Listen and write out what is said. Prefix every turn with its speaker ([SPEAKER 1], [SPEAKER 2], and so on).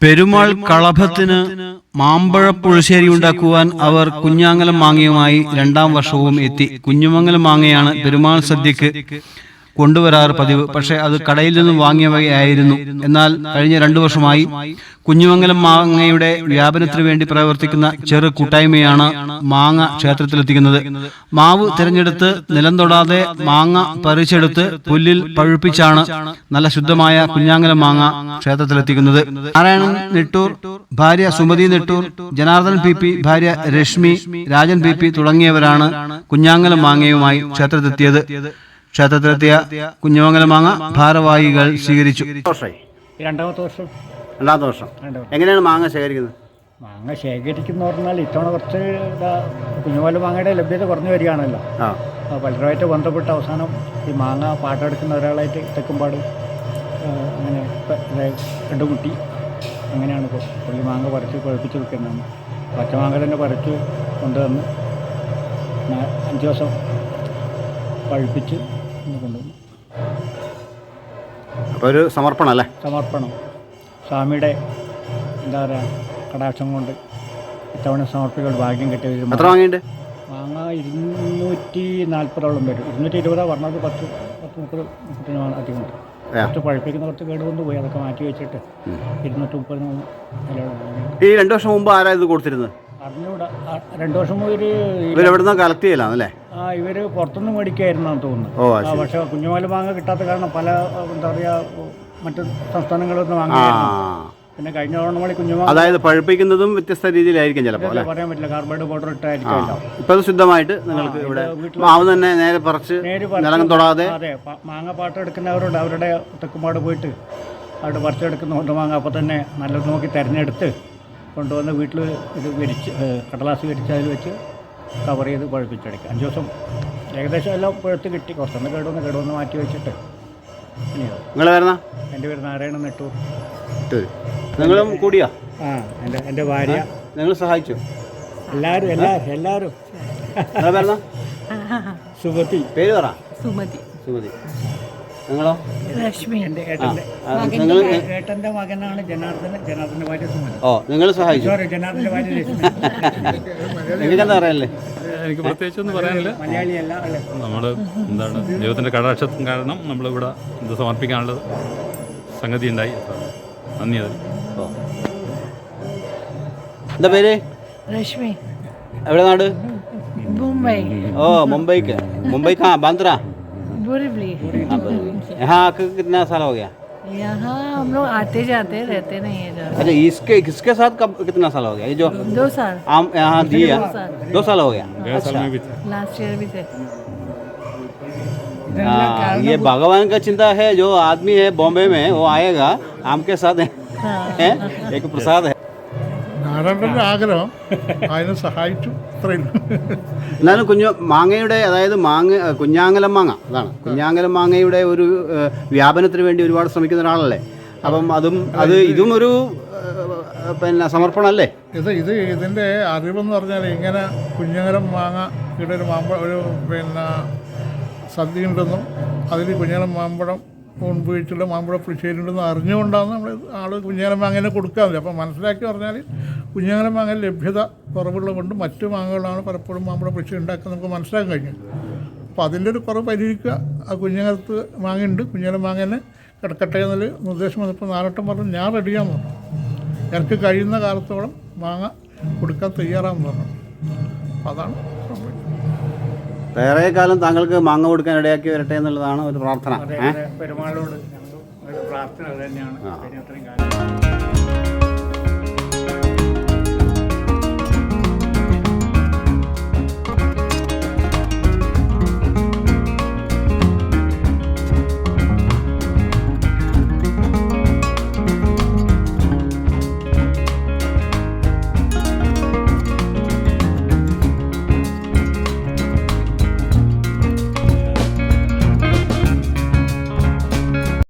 [SPEAKER 1] പെരുമാൾ കളഭത്തിന് മാമ്പഴ പുളിശ്ശേരി ഉണ്ടാക്കുവാൻ അവർ കുഞ്ഞാങ്ങലം മാങ്ങയുമായി 2ാം വർഷവും എത്തി. കുഞ്ഞുമംഗലം മാങ്ങയാണ് പെരുമാൾ സദ്യക്ക് കൊണ്ടുവരാറ് പതിവ്. പക്ഷെ അത് കടയിൽ നിന്നും വാങ്ങിയവയായിരുന്നു. എന്നാൽ കഴിഞ്ഞ 2 വർഷമായി കുഞ്ഞുമംഗലം മാങ്ങയുടെ വ്യാപനത്തിന് വേണ്ടി പ്രവർത്തിക്കുന്ന ചെറു കൂട്ടായ്മയാണ് മാങ്ങ ക്ഷേത്രത്തിലെത്തിക്കുന്നത്. മാവ് തിരഞ്ഞെടുത്ത് നിലം തൊടാതെ മാങ്ങ പറിച്ചെടുത്ത് പുല്ലിൽ പഴുപ്പിച്ചാണ് നല്ല ശുദ്ധമായ കുഞ്ഞാങ്ങലം മാങ്ങ ക്ഷേത്രത്തിലെത്തിക്കുന്നത്. നാരായണൻ നെട്ടൂർ, ഭാര്യ സുമതി നെട്ടൂർ, ജനാർദ്ദൻ പി, ഭാര്യ രശ്മി, രാജൻ പി തുടങ്ങിയവരാണ് കുഞ്ഞാങ്ങലം മാങ്ങയുമായി ക്ഷേത്രത്തിലെത്തിയത്. ക്ഷേത്രത്തിലെത്തിയ കുഞ്ഞുമംഗലം മാങ്ങ ഭാരവാഹികൾ സ്വീകരിച്ചു.
[SPEAKER 2] രണ്ടാമത്തെ വർഷം.
[SPEAKER 1] എങ്ങനെയാണ് മാങ്ങ ശേഖരിക്കുന്നത്?
[SPEAKER 2] മാങ്ങ ശേഖരിക്കുന്ന പറഞ്ഞാൽ ഇത്തവണ കുറച്ച് കുഞ്ഞുമംഗലം മാങ്ങയുടെ ലഭ്യത കുറഞ്ഞു വരികയാണല്ലോ. പലരുമായിട്ട് ബന്ധപ്പെട്ട് അവസാനം ഈ മാങ്ങ പാട്ടെടുക്കുന്ന ഒരാളായിട്ട് തെക്കുംപാട് അങ്ങനെ 2 കുട്ടി അങ്ങനെയാണ് ഇപ്പോൾ പുള്ളി മാങ്ങ പറിച്ച് കുഴപ്പിച്ച് വെക്കുന്നതാണ്. പച്ചമാങ്ങ തന്നെ പറിച്ച് കൊണ്ടുവന്ന് 5 ദിവസം പഴുപ്പിച്ച് കൊണ്ടുവന്നു.
[SPEAKER 1] അപ്പോൾ ഒരു സമർപ്പണം അല്ലേ?
[SPEAKER 2] സമർപ്പണം സ്വാമിയുടെ എന്താ പറയുക കടാക്ഷം കൊണ്ട് ഇത്തവണ സമർപ്പിക്കാൻ ഭാഗ്യം കിട്ടിയ.
[SPEAKER 1] എത്ര വാങ്ങിയിട്ട്?
[SPEAKER 2] മാങ്ങ 240ഓളം വരും. 220 പറഞ്ഞത് 10-30 അധികമുണ്ട്. കുറച്ച് പഴുപ്പിക്കുന്ന കുറച്ച് കേടുകൊണ്ട് പോയി അതൊക്കെ മാറ്റി വെച്ചിട്ട് 230
[SPEAKER 1] ഈ 2 വർഷം മുമ്പ് ആരാ ഇത് കൊടുത്തിരുന്നത്?
[SPEAKER 2] അറിഞ്ഞൂടാ. 2 വർഷം മുതൽ
[SPEAKER 1] ഇവരെവിടുന്ന് കളക്ട് ചെയ്യലാണല്ലേ?
[SPEAKER 2] ഇവർ പുറത്തുനിന്ന് മേടിക്കായിരുന്നാണ് തോന്നുന്നു. പക്ഷേ കുഞ്ഞുമംഗലം മാങ്ങ കിട്ടാത്ത കാരണം പല എന്താ പറയുക മറ്റു സംസ്ഥാനങ്ങളൊന്നും വാങ്ങിയായിരുന്നു. പിന്നെ കഴിഞ്ഞ ഓണമണി കുഞ്ഞുമാങ്ങ
[SPEAKER 1] അതായത് പഴുപ്പിക്കുന്നതും വ്യത്യസ്ത രീതിയിലായിരിക്കും ചിലപ്പോൾ.
[SPEAKER 2] പറയാൻ പറ്റില്ല. കാർബൈഡ് പൗഡർ ഇട്ടായിരിക്കുമല്ലോ.
[SPEAKER 1] ഇപ്പം അത് ശുദ്ധമായിട്ട് നിങ്ങൾക്ക് ഇവിടെ മാവ് തന്നെ നേരെ പറിച്ച് നിലം തൊടാതെ.
[SPEAKER 2] അതെ, മാങ്ങ പാട്ടെടുക്കുന്നവരുണ്ട്. അവരുടെ തെക്കുംപാട് പോയിട്ട് അവിടെ പറിച്ചെടുക്കുന്ന കൊണ്ട് മാങ്ങ അപ്പോൾ തന്നെ നല്ലത് നോക്കി തിരഞ്ഞെടുത്ത് കൊണ്ടുവന്ന് വീട്ടിൽ ഇത് കടലാസ് വിരിച്ച് അതിൽ വെച്ച് കവർ ചെയ്ത് പഴുപ്പിച്ചെടുക്കുക. 5 ദിവസം ഏകദേശം എല്ലാം പഴുത്ത് കിട്ടി. കുറച്ചൊന്ന് കേടുവന്ന് മാറ്റി വെച്ചിട്ട്
[SPEAKER 1] നിങ്ങളെ വരുന്ന?
[SPEAKER 2] എൻ്റെ പേര് നാരായണൻ നെട്ടൂർ.
[SPEAKER 1] നിങ്ങളും കൂടിയാ?
[SPEAKER 2] എൻ്റെ ഭാര്യ.
[SPEAKER 1] നിങ്ങൾ സഹായിച്ചു?
[SPEAKER 2] എല്ലാവരും.
[SPEAKER 1] സുമതി. പേര് പറ.
[SPEAKER 3] സുമതി.
[SPEAKER 1] നിങ്ങളോ?
[SPEAKER 3] രശ്മി.
[SPEAKER 2] എൻ്റെ ഏട്ടൻ്റെ മകനാണ് ജനാർദ്ദൻ്റെ ഭാര്യ സുമതി.
[SPEAKER 1] നിങ്ങൾ സഹായിച്ചു?
[SPEAKER 2] ജനാർദ്ദൻ്റെ ഭാര്യ രശ്മി.
[SPEAKER 1] നിങ്ങൾക്കെന്താ പറയാനല്ലേ?
[SPEAKER 4] എനിക്ക് പ്രത്യേകിച്ചൊന്നും പറയാനില്ല.
[SPEAKER 2] മലയാളിയല്ല അല്ലേ?
[SPEAKER 4] നമ്മൾ എന്താണ് ദൈവത്തിൻ്റെ കടാക്ഷത്തിന് കാരണം നമ്മളിവിടെ ഇത് സമർപ്പിക്കാനുള്ള സംഗതി ഉണ്ടായി. നന്ദി. അതിൽ
[SPEAKER 1] എന്താ പേര്?
[SPEAKER 3] रश्मि.
[SPEAKER 1] എവിടെ നാട്?
[SPEAKER 3] मुंबई.
[SPEAKER 1] मुंबई कहाँ? बांद्रा?
[SPEAKER 3] बोरीवली.
[SPEAKER 1] यहाँ आके कितना साल हो गया?
[SPEAKER 3] यहाँ हम लोग आते जाते रहते नहीं है.
[SPEAKER 1] अच्छा, किसके साथ कब कितना साल हो गया? ये जो
[SPEAKER 3] 2 साल
[SPEAKER 1] आम यहाँ दिया 2 साल हो गया. अच्छा,
[SPEAKER 3] लास्ट ईयर भी थे.
[SPEAKER 1] ये भगवान का चिंता है. जो आदमी है बॉम्बे में वो आएगा आम के साथ है. एक प्रसाद है.
[SPEAKER 5] നാരായണൻ്റെ ആഗ്രഹം അതിനെ സഹായിച്ചു.
[SPEAKER 1] എന്നാലും മാങ്ങയുടെ അതായത് കുഞ്ഞാങ്ങലം മാങ്ങ അതാണ്. കുഞ്ഞാങ്ങലം മാങ്ങയുടെ ഒരു വ്യാപനത്തിന് വേണ്ടി ഒരുപാട് ശ്രമിക്കുന്ന ഒരാളല്ലേ. അപ്പം ഇതും ഒരു പിന്നെ സമർപ്പണമല്ലേ?
[SPEAKER 5] ഇതിൻ്റെ അറിവെന്ന് പറഞ്ഞാൽ ഇങ്ങനെ കുഞ്ഞാങ്ങലം മാങ്ങ ഇവിടെ ഒരു പിന്നെ സദ്യ ഉണ്ടെന്നും അതിൽ കുഞ്ഞാങ്ങലം മാമ്പഴം മുൻപ് മാമ്പഴ പുളിശ്ശേരി ഉണ്ടെന്ന് അറിഞ്ഞുകൊണ്ടാണ് നമ്മൾ കുഞ്ഞാങ്ങലം മാങ്ങനെ കൊടുക്കാറില്ല. അപ്പോൾ മനസ്സിലാക്കി പറഞ്ഞാൽ കുഞ്ഞാങ്ങലം മാങ്ങ ലഭ്യത കുറവുള്ളത് കൊണ്ട് മറ്റു മാങ്ങകളാണ് പലപ്പോഴും മാമ്പഴ പുളിശ്ശേരി ഉണ്ടാക്കുന്നത് നമുക്ക് മനസ്സിലാക്കാൻ കഴിഞ്ഞു. അപ്പോൾ അതിൻ്റെ ഒരു കുറവ് പരിഹരിക്കുക. ആ കുഞ്ഞാങ്ങലത്ത് മാങ്ങയുണ്ട്, കുഞ്ഞാങ്ങലം മാങ്ങനെ കിടക്കട്ടെ എന്നൊരു നിർദ്ദേശം വന്നപ്പോൾ നാരട്ടം പറഞ്ഞു ഞാൻ റെഡിയാന്ന് പറഞ്ഞു. എനിക്ക് കഴിയുന്ന കാലത്തോളം മാങ്ങ കൊടുക്കാൻ തയ്യാറാണെന്ന് പറഞ്ഞു. അപ്പോൾ അതാണ് സംഭവിച്ചത്.
[SPEAKER 1] വേറെ കാലം താങ്കൾക്ക് മാങ്ങ കൊടുക്കാൻ ഇടയാക്കി വരട്ടെ എന്നുള്ളതാണ് ഒരു പ്രാർത്ഥന.
[SPEAKER 2] പെരുമാളോട് പ്രാർത്ഥന തന്നെയാണ്.